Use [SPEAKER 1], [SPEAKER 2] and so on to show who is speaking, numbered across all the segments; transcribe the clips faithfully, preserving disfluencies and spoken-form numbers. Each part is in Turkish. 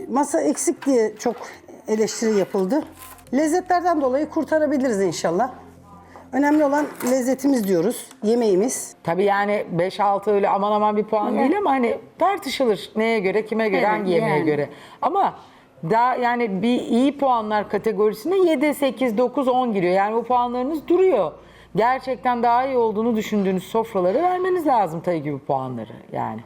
[SPEAKER 1] masa eksik diye çok eleştiri yapıldı. Lezzetlerden dolayı kurtarabiliriz inşallah. Önemli olan lezzetimiz diyoruz, yemeğimiz.
[SPEAKER 2] Tabii yani beş altı öyle aman aman bir puan değil ama hani tartışılır. Neye göre, kime göre,
[SPEAKER 3] Evet,
[SPEAKER 2] hangi yemeğe
[SPEAKER 3] yani.
[SPEAKER 2] göre. Ama daha yani bir iyi puanlar kategorisine yedi, sekiz, dokuz, on giriyor. Yani bu puanlarınız duruyor. Gerçekten daha iyi olduğunu düşündüğünüz sofraları vermeniz lazım tabii ki bu puanları yani.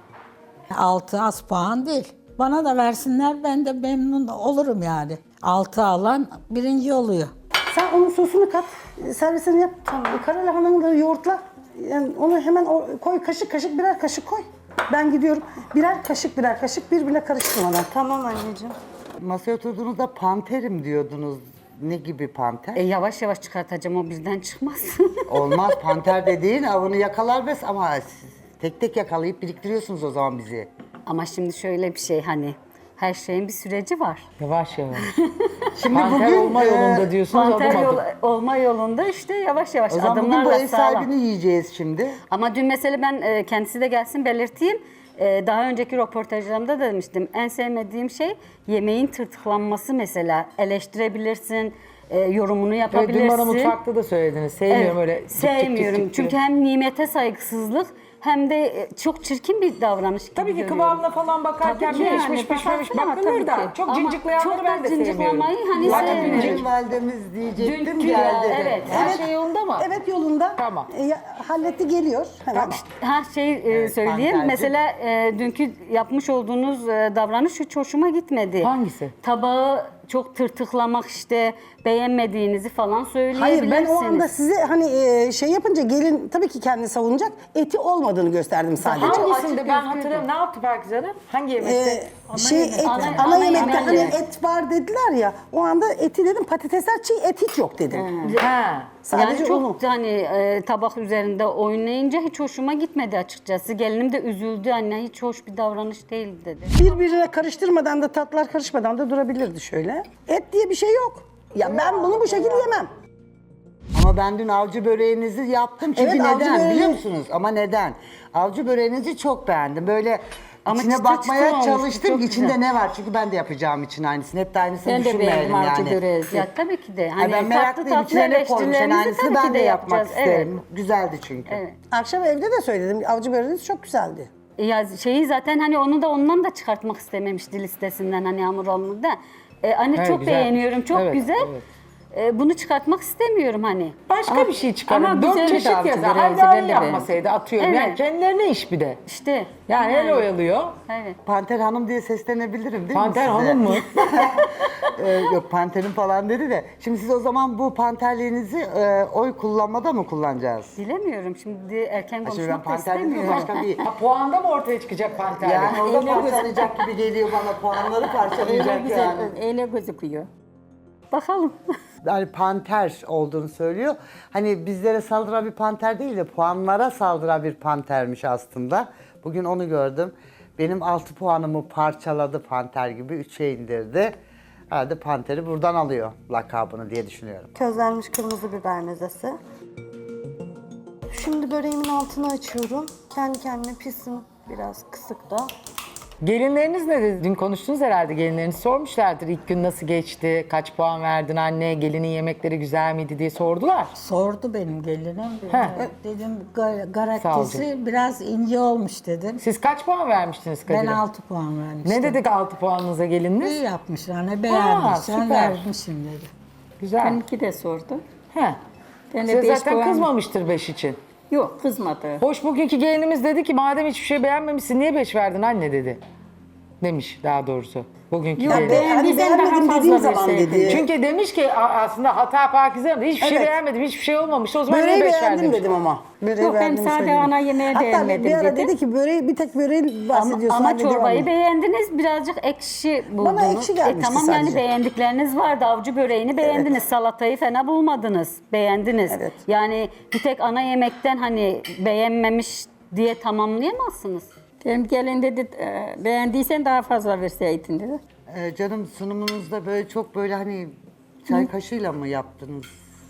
[SPEAKER 4] Altı az puan değil. Bana da versinler ben de memnun olurum yani. Altı alan birinci oluyor.
[SPEAKER 1] Sen onun sosunu kat, servisini yap. Kara lahananı da yoğurtla. Yani onu hemen o- koy, kaşık kaşık birer kaşık koy. Ben gidiyorum. Birer kaşık birer kaşık birbirine karıştırmadan.
[SPEAKER 5] Tamam anneciğim.
[SPEAKER 6] Masaya oturduğunuzda panterim diyordunuz. Ne gibi panter?
[SPEAKER 3] E, yavaş yavaş çıkartacağım, o birden çıkmaz.
[SPEAKER 6] Olmaz, panter dediğin avını yakalar bes ama siz tek tek yakalayıp biriktiriyorsunuz o zaman bizi.
[SPEAKER 3] Ama şimdi şöyle bir şey, hani her şeyin bir süreci var.
[SPEAKER 2] Yavaş yavaş.
[SPEAKER 6] Şimdi
[SPEAKER 2] Panter
[SPEAKER 6] bugün
[SPEAKER 2] olma
[SPEAKER 6] e,
[SPEAKER 2] yolunda diyorsunuz
[SPEAKER 3] Panter
[SPEAKER 2] adım
[SPEAKER 3] yol,
[SPEAKER 2] adım.
[SPEAKER 3] olma yolunda işte yavaş yavaş
[SPEAKER 6] o zaman bugün bu
[SPEAKER 3] adımlarla
[SPEAKER 6] ev
[SPEAKER 3] sağlam.
[SPEAKER 6] sahibini yiyeceğiz şimdi.
[SPEAKER 3] Ama dün mesela ben e, kendisi de gelsin belirteyim. E, daha önceki röportajlarımda da demiştim. En sevmediğim şey yemeğin tırtıklanması mesela. Eleştirebilirsin, e, yorumunu
[SPEAKER 2] Evet,
[SPEAKER 3] yapabilirsin.
[SPEAKER 2] dün bana mutfakta da söylediniz. Sevmiyorum
[SPEAKER 3] Evet,
[SPEAKER 2] öyle tık tık tık
[SPEAKER 3] sevmiyorum.
[SPEAKER 2] tık
[SPEAKER 3] Çünkü
[SPEAKER 2] diye.
[SPEAKER 3] hem nimete saygısızlık hem de e, çok çirkin bir davranış gibi
[SPEAKER 2] Tabii ki
[SPEAKER 3] görüyorum.
[SPEAKER 2] kıvamına falan bakarken
[SPEAKER 3] Tabii ki
[SPEAKER 2] bir
[SPEAKER 3] yani,
[SPEAKER 2] pişmiş pişmemiş
[SPEAKER 3] bakarsın ama
[SPEAKER 2] bakılır
[SPEAKER 3] tabii
[SPEAKER 2] da
[SPEAKER 3] ki.
[SPEAKER 2] çok
[SPEAKER 3] Ama
[SPEAKER 2] cinciklayanları
[SPEAKER 3] çok
[SPEAKER 2] ben
[SPEAKER 3] da
[SPEAKER 2] de sevmiyorum.
[SPEAKER 3] cinciklamayı hani
[SPEAKER 2] Zaten
[SPEAKER 3] sevmiyorum.
[SPEAKER 2] cincik-
[SPEAKER 6] Validemiz diyecektim
[SPEAKER 3] Dünkü
[SPEAKER 6] geldi.
[SPEAKER 3] ya, evet.
[SPEAKER 2] Her şey yolunda mı?
[SPEAKER 1] Evet yolunda.
[SPEAKER 2] Tamam.
[SPEAKER 1] E, ya- halletti geliyor. Hemen.
[SPEAKER 3] Her şey e,
[SPEAKER 6] Evet,
[SPEAKER 3] söyleyeyim.
[SPEAKER 6] panterci.
[SPEAKER 3] Mesela e, dünkü yapmış olduğunuz e, davranış hiç hoşuma gitmedi.
[SPEAKER 2] Hangisi?
[SPEAKER 3] Tabağı çok tırtıklamak, işte beğenmediğinizi falan
[SPEAKER 1] Hayır
[SPEAKER 3] söyleyebilirsiniz.
[SPEAKER 1] ben o anda size hani e, şey yapınca gelin tabii ki kendini savunacak eti olmadığını gösterdim sadece.
[SPEAKER 2] Hangisinde ben hatırlamıyorum. Ne yaptı Pakize Hanım? Hangi yemekte?
[SPEAKER 1] Ee, şey et, ana,
[SPEAKER 3] Ana- ana
[SPEAKER 1] yemekte
[SPEAKER 3] yemek.
[SPEAKER 1] hani et var dediler ya o anda eti dedim patatesler çiğ et hiç yok dedim.
[SPEAKER 2] Ha.
[SPEAKER 1] Sadece
[SPEAKER 3] yani çok
[SPEAKER 1] onu.
[SPEAKER 3] hani e, tabak üzerinde oynayınca hiç hoşuma gitmedi açıkçası. Gelinim de üzüldü, anne hiç hoş bir davranış değil dedi.
[SPEAKER 1] Birbirine karıştırmadan da tatlar karışmadan da durabilirdi şöyle. Et diye bir şey yok. Ya ben bunu bu şekilde yemem.
[SPEAKER 6] Ama ben dün avcı böreğinizi yaptım çünkü
[SPEAKER 1] Evet, avcı
[SPEAKER 6] neden
[SPEAKER 1] böreği-
[SPEAKER 6] biliyor musunuz? Ama neden? Avcı böreğinizi çok beğendim. Böyle
[SPEAKER 3] Ama
[SPEAKER 6] içine
[SPEAKER 3] çıtır
[SPEAKER 6] bakmaya
[SPEAKER 3] çıtır olmuştu,
[SPEAKER 6] çalıştım.
[SPEAKER 3] çok
[SPEAKER 6] İçinde
[SPEAKER 3] güzel.
[SPEAKER 6] ne var? Çünkü ben de yapacağım için aynısını. Hep de aynısını
[SPEAKER 3] Ben de
[SPEAKER 6] düşünmeyelim
[SPEAKER 3] beğendim avcı
[SPEAKER 6] yani.
[SPEAKER 3] böreği. Ya tabii ki de.
[SPEAKER 6] Ay
[SPEAKER 3] Hani
[SPEAKER 6] ben
[SPEAKER 3] tatlı
[SPEAKER 6] meraklıyım.
[SPEAKER 3] tatlı
[SPEAKER 6] İçine ne koymuş? Yani
[SPEAKER 3] eleştirilerimizi
[SPEAKER 6] aynısını
[SPEAKER 3] tabii
[SPEAKER 6] ben
[SPEAKER 3] ki
[SPEAKER 6] de
[SPEAKER 3] de
[SPEAKER 6] yapmak
[SPEAKER 3] yapacağız.
[SPEAKER 6] isterim. Güzeldi çünkü.
[SPEAKER 3] Evet.
[SPEAKER 1] Akşam evde de söyledim avcı böreğiniz çok güzeldi.
[SPEAKER 3] Ya şeyi zaten hani onu da ondan da çıkartmak istememişti listesinden, hani hamur hamur da. Ee, anne
[SPEAKER 2] Evet,
[SPEAKER 3] çok
[SPEAKER 2] güzel.
[SPEAKER 3] beğeniyorum, çok
[SPEAKER 2] Evet,
[SPEAKER 3] güzel.
[SPEAKER 2] evet.
[SPEAKER 3] Ee, bunu çıkartmak istemiyorum hani.
[SPEAKER 2] Başka
[SPEAKER 3] Ama-
[SPEAKER 2] bir şey çıkarın.
[SPEAKER 3] ama
[SPEAKER 2] Dört
[SPEAKER 3] güzel
[SPEAKER 2] çeşit
[SPEAKER 3] bir avcı
[SPEAKER 2] yazar.
[SPEAKER 3] böreği,
[SPEAKER 2] Hadi
[SPEAKER 3] ben
[SPEAKER 2] aynı
[SPEAKER 3] de
[SPEAKER 2] yapmasaydı atıyorum.
[SPEAKER 3] Evet.
[SPEAKER 2] Yani kendilerine iş bir de.
[SPEAKER 3] İşte.
[SPEAKER 2] Yani el oyalıyor.
[SPEAKER 3] Evet.
[SPEAKER 6] Panter Hanım diye seslenebilirim değil
[SPEAKER 2] Panter
[SPEAKER 6] mi size?
[SPEAKER 2] Hanım mı?
[SPEAKER 6] Ee, yok Panter'in falan dedi de. Şimdi siz o zaman bu panterliğinizi e, oy kullanmada mı kullanacağız?
[SPEAKER 3] Bilemiyorum, şimdi erken
[SPEAKER 6] Şimdi ben
[SPEAKER 3] konuşmak da
[SPEAKER 6] panter dedim
[SPEAKER 3] istemiyorum.
[SPEAKER 6] başka bir...
[SPEAKER 2] Ha, puanda mı ortaya çıkacak panter?
[SPEAKER 6] Yani orada parçalayacak gibi geliyor bana. Puanları parçalayacak yani.
[SPEAKER 3] Öyle gözüküyor. Bakalım.
[SPEAKER 6] Yani panter olduğunu söylüyor. Hani bizlere saldıran bir panter değil de puanlara saldıran bir pantermiş aslında. Bugün onu gördüm. Benim altı puanımı parçaladı panter gibi. üçe indirdi. Herhalde panteri buradan alıyor lakabını diye düşünüyorum.
[SPEAKER 5] Közlenmiş kırmızı biber mezesi. Şimdi böreğimin altını açıyorum. Kendi kendine pişsin, biraz kısık da.
[SPEAKER 2] Gelinleriniz ne dedi? Dün konuştunuz herhalde, gelinleriniz sormuşlardır. İlk gün nasıl geçti, kaç puan verdin anne, gelinin yemekleri güzel miydi diye sordular.
[SPEAKER 4] Sordu benim gelinim.
[SPEAKER 2] He.
[SPEAKER 4] Dedim "Ga-
[SPEAKER 2] Sağ ol
[SPEAKER 4] garaktisi biraz ince olmuş dedim.
[SPEAKER 2] Siz kaç puan vermiştiniz Kadir'e?
[SPEAKER 4] Ben altı puan vermiştim.
[SPEAKER 2] Ne dedik altı puanınıza gelininiz?
[SPEAKER 4] İyi yapmışlar, ne beğenmişler,
[SPEAKER 2] süper.
[SPEAKER 4] vermişim dedi.
[SPEAKER 2] Güzel.
[SPEAKER 3] Benimki de sordu.
[SPEAKER 2] He.
[SPEAKER 3] Ben de
[SPEAKER 2] Size
[SPEAKER 3] beş
[SPEAKER 2] zaten
[SPEAKER 3] puan-
[SPEAKER 2] kızmamıştır beş için.
[SPEAKER 3] Yok, kızmadı.
[SPEAKER 2] Hoş, bugünkü gelinimiz dedi ki madem hiçbir şey beğenmemişsin niye beş verdin anne dedi. Demiş daha doğrusu. Bugünkü
[SPEAKER 3] Yok,
[SPEAKER 2] gelin.
[SPEAKER 3] be-
[SPEAKER 1] Hani
[SPEAKER 3] Beğendiysen daha
[SPEAKER 1] beğenmedim
[SPEAKER 3] fazla
[SPEAKER 1] dediğim zaman
[SPEAKER 3] verseydin.
[SPEAKER 1] dedi.
[SPEAKER 2] Çünkü demiş ki a- aslında hata Pakize Hanım, hiçbir şey
[SPEAKER 1] Evet.
[SPEAKER 2] beğenmedim, hiçbir şey olmamış. O zaman
[SPEAKER 1] Böreği
[SPEAKER 2] niye beş
[SPEAKER 1] beğendim
[SPEAKER 2] verdin?
[SPEAKER 1] dedim ama. Böreği
[SPEAKER 3] Yok, ben
[SPEAKER 1] beğendiğimi
[SPEAKER 3] sade
[SPEAKER 1] söyledim.
[SPEAKER 3] ana yemeği
[SPEAKER 1] Hatta
[SPEAKER 3] beğenmedim
[SPEAKER 1] bir ara
[SPEAKER 3] dedi.
[SPEAKER 1] dedi ki böreği bir tek böreği
[SPEAKER 3] Ama,
[SPEAKER 1] bahsediyorsun.
[SPEAKER 3] ama
[SPEAKER 1] anne,
[SPEAKER 3] çorbayı
[SPEAKER 1] devam.
[SPEAKER 3] beğendiniz, birazcık ekşi buldunuz.
[SPEAKER 1] ekşi gelmişti
[SPEAKER 3] tamam
[SPEAKER 1] sadece.
[SPEAKER 3] yani beğendikleriniz vardı. Avcı böreğini beğendiniz, salatayı fena bulmadınız, beğendiniz.
[SPEAKER 1] Evet.
[SPEAKER 3] Yani bir tek ana yemekten hani beğenmemiş diye tamamlayamazsınız.
[SPEAKER 7] Benim gelin dedi e, beğendiysen daha fazla verseydin dedi.
[SPEAKER 6] Ee, canım sunumunuzda böyle çok böyle hani çay kaşığıyla mı yaptınız?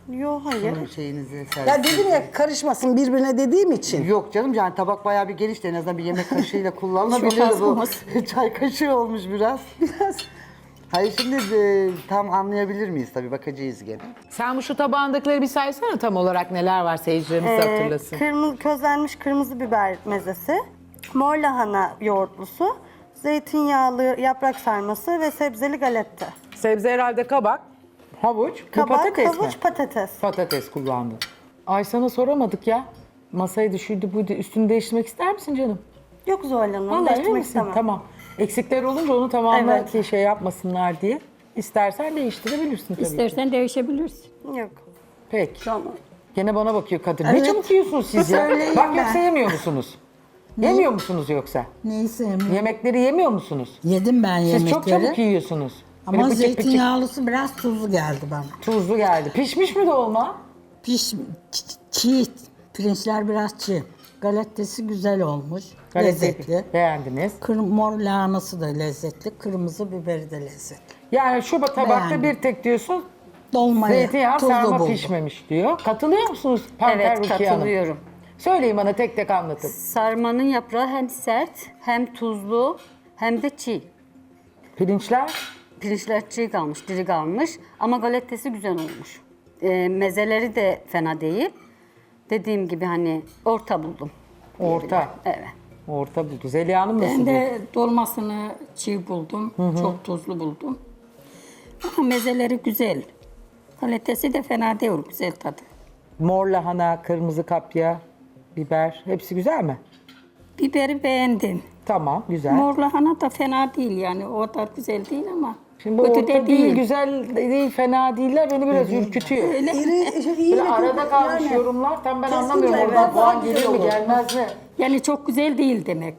[SPEAKER 5] Yo hayır.
[SPEAKER 6] Bunun şeyinizi servis.
[SPEAKER 1] Ya dedim ya karışmasın birbirine dediğim için.
[SPEAKER 6] Yok canım yani tabak bayağı bir geniş de en azından bir yemek kaşığıyla kullanılabilir
[SPEAKER 7] Çok az
[SPEAKER 6] bu.
[SPEAKER 7] olmaz.
[SPEAKER 6] Çay kaşığı olmuş biraz.
[SPEAKER 1] Biraz.
[SPEAKER 6] Hayır şimdi e, tam anlayabilir miyiz tabii bakacağız gene.
[SPEAKER 2] Sen bu şu tabağındakileri bir saysana tam olarak neler var seyircilerimiz
[SPEAKER 5] Ee,
[SPEAKER 2] hatırlasın.
[SPEAKER 5] kırmızı, közlenmiş kırmızı biber mezesi, mor lahana yoğurtlusu, zeytinyağlı yaprak sarması ve sebzeli galette.
[SPEAKER 2] Sebze herhalde kabak, havuç, bu
[SPEAKER 5] Kabak,
[SPEAKER 2] patates
[SPEAKER 5] havuç,
[SPEAKER 2] mi?
[SPEAKER 5] patates.
[SPEAKER 2] Patates kullandın. Ay sana soramadık ya. Masayı düşürdü buydu. Üstünü değiştirmek ister misin canım?
[SPEAKER 5] Yok Zuhal Hanım,
[SPEAKER 2] Vallahi emin
[SPEAKER 5] değiştirmek
[SPEAKER 2] misin?
[SPEAKER 5] istemem.
[SPEAKER 2] Tamam. Eksikler olunca onu tamamla
[SPEAKER 5] Evet.
[SPEAKER 2] ki şey yapmasınlar diye. İstersen değiştirebilirsin tabii ki.
[SPEAKER 7] İstersen değişebilirsin.
[SPEAKER 5] Yok.
[SPEAKER 2] Peki.
[SPEAKER 7] Tamam.
[SPEAKER 2] Gene bana bakıyor kadın. Ne
[SPEAKER 4] Evet.
[SPEAKER 2] çabuk yiyorsunuz siz ya?
[SPEAKER 4] Söyleyeyim
[SPEAKER 2] Bak
[SPEAKER 4] ben.
[SPEAKER 2] yoksa yemiyor musunuz? Yemiyor musunuz yoksa?
[SPEAKER 4] Neyi sevmiyorum?
[SPEAKER 2] Yemekleri yemiyor musunuz?
[SPEAKER 4] Yedim ben
[SPEAKER 2] Siz
[SPEAKER 4] yemekleri.
[SPEAKER 2] çok çabuk yiyorsunuz. Böyle
[SPEAKER 4] Ama
[SPEAKER 2] bıçık bıçık
[SPEAKER 4] zeytinyağlısı biraz tuzlu geldi bana.
[SPEAKER 2] tuzlu geldi. Pişmiş mi dolma?
[SPEAKER 4] Piş, ç- çiğ, pirinçler biraz çiğ. Galettesi güzel olmuş, lezzetli.
[SPEAKER 2] Beğendiniz.
[SPEAKER 4] Kır, mor lahanası da lezzetli, kırmızı biberi de lezzetli.
[SPEAKER 2] Yani şu tabakta
[SPEAKER 4] Beğendim.
[SPEAKER 2] bir tek diyorsun
[SPEAKER 4] Dolmayı
[SPEAKER 2] zeytinyağı
[SPEAKER 4] tuzlu
[SPEAKER 2] sarma
[SPEAKER 4] buldum.
[SPEAKER 2] pişmemiş diyor. Katılıyor musunuz Panter
[SPEAKER 3] Evet,
[SPEAKER 2] Rukiye Hanım?
[SPEAKER 3] katılıyorum.
[SPEAKER 2] Söyleyin bana tek tek anlatın.
[SPEAKER 3] Sarmanın yaprağı hem sert, hem tuzlu, hem de çiğ.
[SPEAKER 2] Pirinçler
[SPEAKER 3] Pirinçler çiğ kalmış, diri kalmış ama galettesi güzel olmuş. Ee, mezeleri de fena değil. Dediğim gibi hani orta buldum.
[SPEAKER 2] orta.
[SPEAKER 3] Evet.
[SPEAKER 2] Orta buldu. Zeliha Hanım nasıl
[SPEAKER 7] Ben
[SPEAKER 2] buldu?
[SPEAKER 7] de dolmasını çiğ buldum. Çok tuzlu buldum. Ama mezeleri güzel. Kalitesi de fena değil, güzel tadı.
[SPEAKER 2] Mor lahana, kırmızı kapya, biber hepsi güzel mi?
[SPEAKER 7] Biberi beğendim.
[SPEAKER 2] Tamam, güzel.
[SPEAKER 7] Mor lahana da fena değil yani. O da güzel değil ama
[SPEAKER 2] Şimdi bu
[SPEAKER 7] kötü
[SPEAKER 2] orta
[SPEAKER 7] de
[SPEAKER 2] değil,
[SPEAKER 7] değil.
[SPEAKER 2] güzel değil, fena değiller. Beni biraz ürkütüyor.
[SPEAKER 1] İri, şey, iyi
[SPEAKER 2] Böyle
[SPEAKER 1] bir-
[SPEAKER 2] arada kalmış
[SPEAKER 1] yani.
[SPEAKER 2] yorumlar. Tam ben
[SPEAKER 1] Kesinlikle
[SPEAKER 2] anlamıyorum
[SPEAKER 1] evet.
[SPEAKER 2] oradan puan
[SPEAKER 1] Güzel
[SPEAKER 2] geliyor mu
[SPEAKER 1] olur.
[SPEAKER 2] gelmez mi?
[SPEAKER 7] Yani çok güzel değil demek.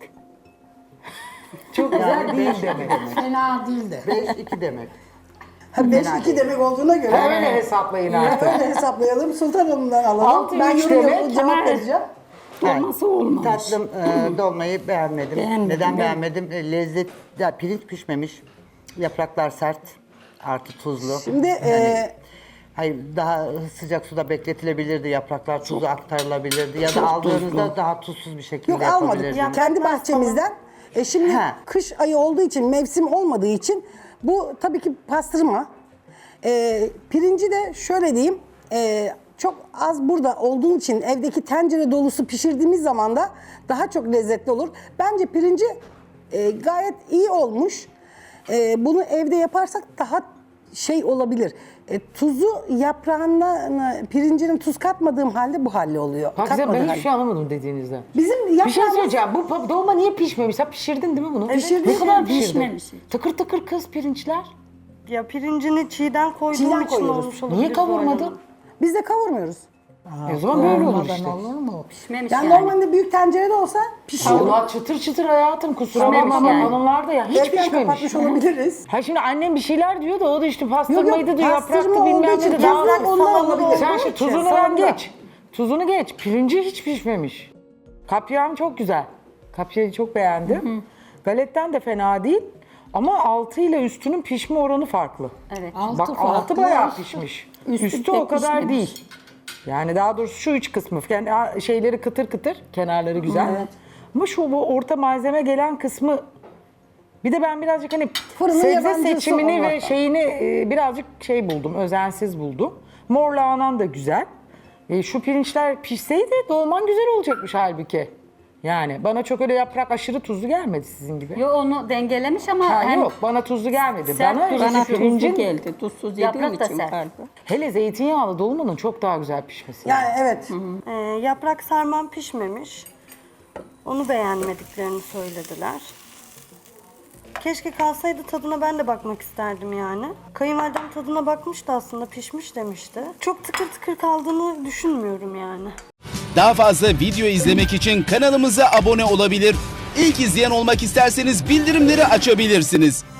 [SPEAKER 2] Çok güzel değil demek.
[SPEAKER 4] Fena değil de.
[SPEAKER 6] beş iki demek.
[SPEAKER 1] Ha, beş iki demek olduğuna göre.
[SPEAKER 2] Öyle hesaplayın artık.
[SPEAKER 1] Öyle hesaplayalım. Sultan Hanım'dan alalım.
[SPEAKER 2] Altı
[SPEAKER 1] ben
[SPEAKER 2] üç
[SPEAKER 1] yorum
[SPEAKER 2] demek
[SPEAKER 1] yapıp cevap
[SPEAKER 7] ama-
[SPEAKER 1] vereceğim.
[SPEAKER 7] Dolması olmamış.
[SPEAKER 6] Tatlım e, dolmayı beğenmedim.
[SPEAKER 7] Beğenmedim,
[SPEAKER 6] Neden
[SPEAKER 7] ben-
[SPEAKER 6] beğenmedim? E, lezzet, ya pirinç pişmemiş. Yapraklar sert. Artı tuzlu.
[SPEAKER 1] Şimdi e,
[SPEAKER 6] Hayır daha sıcak suda bekletilebilirdi. Yapraklar tuzu aktarılabilirdi. Ya da aldığınızda daha tuzsuz bir şekilde
[SPEAKER 1] yok almadık.
[SPEAKER 6] yapabilirdiniz.
[SPEAKER 1] Kendi bahçemizden. E şimdi
[SPEAKER 6] Ha.
[SPEAKER 1] kış ayı olduğu için, mevsim olmadığı için bu tabii ki pastırma. E, pirinci de şöyle diyeyim. e, çok az burada olduğu için evdeki tencere dolusu pişirdiğimiz zaman da daha çok lezzetli olur. Bence pirinci e, gayet iyi olmuş. E, bunu evde yaparsak daha şey olabilir. E, tuzu yaprağına, pirincinin tuz katmadığım halde bu halde oluyor.
[SPEAKER 2] Bak güzel,
[SPEAKER 1] Katmadığı
[SPEAKER 2] ben hiçbir
[SPEAKER 1] halde.
[SPEAKER 2] şey anlamadım dediğinizden.
[SPEAKER 1] Bizim
[SPEAKER 2] Bir şey
[SPEAKER 1] yaprağımız
[SPEAKER 2] söyleyeceğim. Bu pa- dolma niye pişmemiş? Sen pişirdin değil mi bunu?
[SPEAKER 1] Pişirdim.
[SPEAKER 2] Ne kadar pişirdin?
[SPEAKER 7] Pişmemiş.
[SPEAKER 2] Tıkır tıkır kız pirinçler.
[SPEAKER 5] Ya pirincini çiğden koyduğum
[SPEAKER 1] Çiğden
[SPEAKER 5] için
[SPEAKER 1] koyuyoruz.
[SPEAKER 5] olmuş olabilir.
[SPEAKER 2] Niye
[SPEAKER 5] Zuhal
[SPEAKER 2] kavurmadın?
[SPEAKER 5] Hanım.
[SPEAKER 1] biz de kavurmuyoruz.
[SPEAKER 2] E o zaman böyle olur
[SPEAKER 4] Olmadan
[SPEAKER 2] işte.
[SPEAKER 4] olur mu?
[SPEAKER 3] Pişmemiş
[SPEAKER 1] Yani,
[SPEAKER 3] yani.
[SPEAKER 1] normalde büyük tencerede olsa pişiyor.
[SPEAKER 2] Allah çıtır çıtır hayatım kusura
[SPEAKER 3] Pişmemiş
[SPEAKER 2] bakma
[SPEAKER 3] yani.
[SPEAKER 2] hanımlar da ya hiç
[SPEAKER 1] Erken
[SPEAKER 2] pişmemiş.
[SPEAKER 1] kapatmış olabiliriz.
[SPEAKER 2] Ha şimdi annem bir şeyler diyor da o da işte
[SPEAKER 1] Yok, yok,
[SPEAKER 2] pastırmaydı diyor,
[SPEAKER 1] pastırma
[SPEAKER 2] yapraktı
[SPEAKER 1] olduğu
[SPEAKER 2] bilmem
[SPEAKER 1] için
[SPEAKER 2] ne de
[SPEAKER 1] yaprak
[SPEAKER 2] daha.
[SPEAKER 1] ondan
[SPEAKER 2] Salamlı
[SPEAKER 1] olabilir.
[SPEAKER 2] bir- Sen
[SPEAKER 1] Olduğu
[SPEAKER 2] şimdi
[SPEAKER 1] için,
[SPEAKER 2] tuzunu ver
[SPEAKER 1] salamda.
[SPEAKER 2] geç. Tuzunu geç. Pirinci hiç pişmemiş. Kapyam çok güzel. Kapyayı çok beğendim. Galetten de fena değil. Ama altı ile üstünün pişme oranı farklı.
[SPEAKER 3] Evet.
[SPEAKER 4] Altı
[SPEAKER 2] Bak altı
[SPEAKER 4] farklı,
[SPEAKER 2] bayağı
[SPEAKER 4] üstü-
[SPEAKER 2] pişmiş.
[SPEAKER 7] üstü
[SPEAKER 2] Üstü
[SPEAKER 7] pek
[SPEAKER 2] o kadar
[SPEAKER 7] pişmemiş.
[SPEAKER 2] değil. Yani daha doğrusu şu üç kısmı. Yani a- şeyleri kıtır kıtır, kenarları güzel. Ama şu bu orta malzeme gelen kısmı bir de ben birazcık hani
[SPEAKER 1] Fırının
[SPEAKER 2] sebze
[SPEAKER 1] yabancısı
[SPEAKER 2] seçimini ve
[SPEAKER 1] olmaktan.
[SPEAKER 2] şeyini e, birazcık şey buldum, özensiz buldum. Mor lahanan da güzel. E, şu pirinçler pişseydi dolman güzel olacakmış halbuki. Yani bana çok öyle yaprak aşırı tuzlu gelmedi sizin gibi.
[SPEAKER 3] Yo onu dengelemiş ama
[SPEAKER 2] Ha,
[SPEAKER 3] hem
[SPEAKER 2] yok bana tuzlu gelmedi.
[SPEAKER 3] sert
[SPEAKER 2] Bana
[SPEAKER 3] tuzlu
[SPEAKER 2] işte
[SPEAKER 7] Bana
[SPEAKER 2] pirincin
[SPEAKER 7] tuzlu geldi. Tuzsuz yediğim
[SPEAKER 3] Yaprak da
[SPEAKER 7] için
[SPEAKER 3] sert.
[SPEAKER 7] galiba.
[SPEAKER 2] hele zeytinyağlı dolmanın çok daha güzel pişmesi.
[SPEAKER 1] Yani evet.
[SPEAKER 5] Ee, yaprak sarmam pişmemiş. Onu beğenmediklerini söylediler. Keşke kalsaydı tadına ben de bakmak isterdim yani. Kayınvalidem tadına bakmıştı aslında, pişmiş demişti. Çok tıkır tıkır kaldığını düşünmüyorum yani.
[SPEAKER 8] Daha fazla video izlemek için kanalımıza abone olabilir. İlk izleyen olmak isterseniz bildirimleri açabilirsiniz.